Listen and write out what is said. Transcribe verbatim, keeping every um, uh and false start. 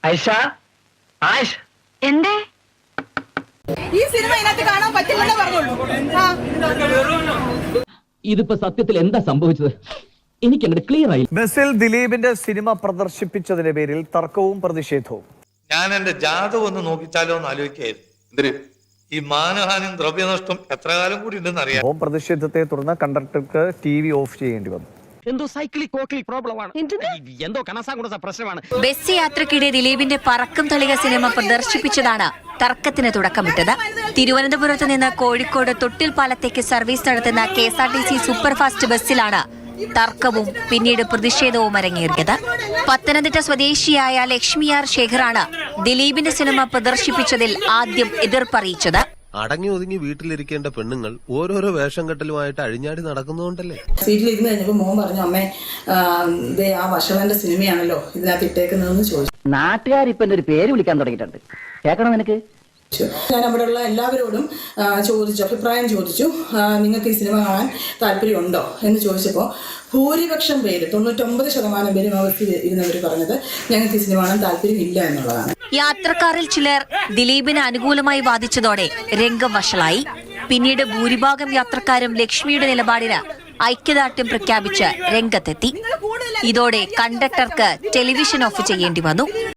ഐഷ ആയിഷ് എന്തേ ഈ സിനിമ ഇതിനകത്ത് കാണാൻ പറ്റില്ലെന്നേ പറഞ്ഞുള്ളൂ. ഇതിപ്പോ സത്യത്തിൽ എന്താ സംഭവിച്ചത് എനിക്ക് അങ്ങോട്ട് ക്ലിയർ ആയി. ബസ്സിൽ ദിലീപിന്റെ സിനിമ പ്രദർശിപ്പിച്ചതിന്റെ പേരിൽ തർക്കവും പ്രതിഷേധവും. ഞാൻ എന്റെ ജാതകം ഒന്ന് നോക്കിച്ചാലോ എന്ന് ആലോചിക്കായിരുന്നു. എന്തിന്? ഈ മാനഹാനിയും ദ്രവ്യനഷ്ടം എത്ര കാലം കൂടി ഉണ്ടെന്ന് അറിയാം. പ്രതിഷേധത്തെ തുടർന്ന് കണ്ടക്ടർക്ക് ടി വി ഓഫ് ചെയ്യേണ്ടി വന്നു. എന്തോ സൈക്ലിക് കോക്ലി പ്രോബ്ലമാണ്, എന്തോ കനസാകുന്ന പ്രശ്നമാണ്. ബസ് യാത്രക്കിടെ ദിലീപിന്റെ പറക്കും തളിക സിനിമ പ്രദർശിപ്പിച്ചതാണ് തർക്കത്തിന് തുടക്കമിട്ടത്. തിരുവനന്തപുരത്ത് നിന്ന് കോഴിക്കോട് തൊട്ടിൽ പാലത്തേക്ക് സർവീസ് നടത്തുന്ന K S R T C superfast ബസ്സിലാണ് തർക്കവും പിന്നീട് പ്രതിഷേധവും അരങ്ങേറിയത്. പത്തനംതിട്ട സ്വദേശിയായ ലക്ഷ്മി ആർ ശേഖറാണ് ദിലീപിന്റെ സിനിമ പ്രദർശിപ്പിച്ചതിൽ ആദ്യം എതിർപ്പറിയിച്ചത്. അടങ്ങി ഒതുങ്ങി വീട്ടിലിരിക്കേണ്ട പെണ്ണുങ്ങൾ ഓരോരോ വേഷം കെട്ടലുമായിട്ട് അഴിഞ്ഞാടി നടക്കുന്നതുകൊണ്ടല്ലേ. സീറ്റിൽ ഇരുന്ന് കഴിഞ്ഞപ്പോൾ മോൻ പറഞ്ഞു, അമ്മേ ദേ ആ വഷളന്റെ സിനിമയാണല്ലോ ഇതിനകത്ത് ഇട്ടേക്കുന്നതെന്ന് ചോദിച്ചു. നാട്ടുകാരിപ്പൊ എന്റെ ഒരു പേര് വിളിക്കാൻ തുടങ്ങിയിട്ടുണ്ട്, കേൾക്കണം നിനക്ക്? ഞാൻ അവിടെയുള്ള എല്ലാവരോടും ചോദിച്ചു, അഭിപ്രായം ചോദിച്ചു, നിങ്ങൾക്ക് ഈ സിനിമ കാണാൻ താല്പര്യമുണ്ടോ എന്ന് ചോദിച്ചപ്പോൾ ഭൂരിപക്ഷം പേര്, തൊണ്ണൂറ്റൊമ്പത് ശതമാനം പേരും അവർക്ക് ഇരുന്നവർ പറഞ്ഞത് ഞങ്ങൾക്ക് ഈ സിനിമ കാണാൻ താല്പര്യം ഇല്ല എന്നുള്ളതാണ്. യാത്രക്കാരിൽ ചിലർ ദിലീപിന് അനുകൂലമായി വാദിച്ചതോടെ രംഗം വഷളായി. പിന്നീട് ഭൂരിഭാഗം യാത്രക്കാരും ലക്ഷ്മിയുടെ നിലപാടിന് ഐക്യദാർഢ്യം പ്രഖ്യാപിച്ച് രംഗത്തെത്തി. ഇതോടെ കണ്ടക്ടർക്ക് ടെലിവിഷൻ ഓഫ് ചെയ്യേണ്ടി വന്നു.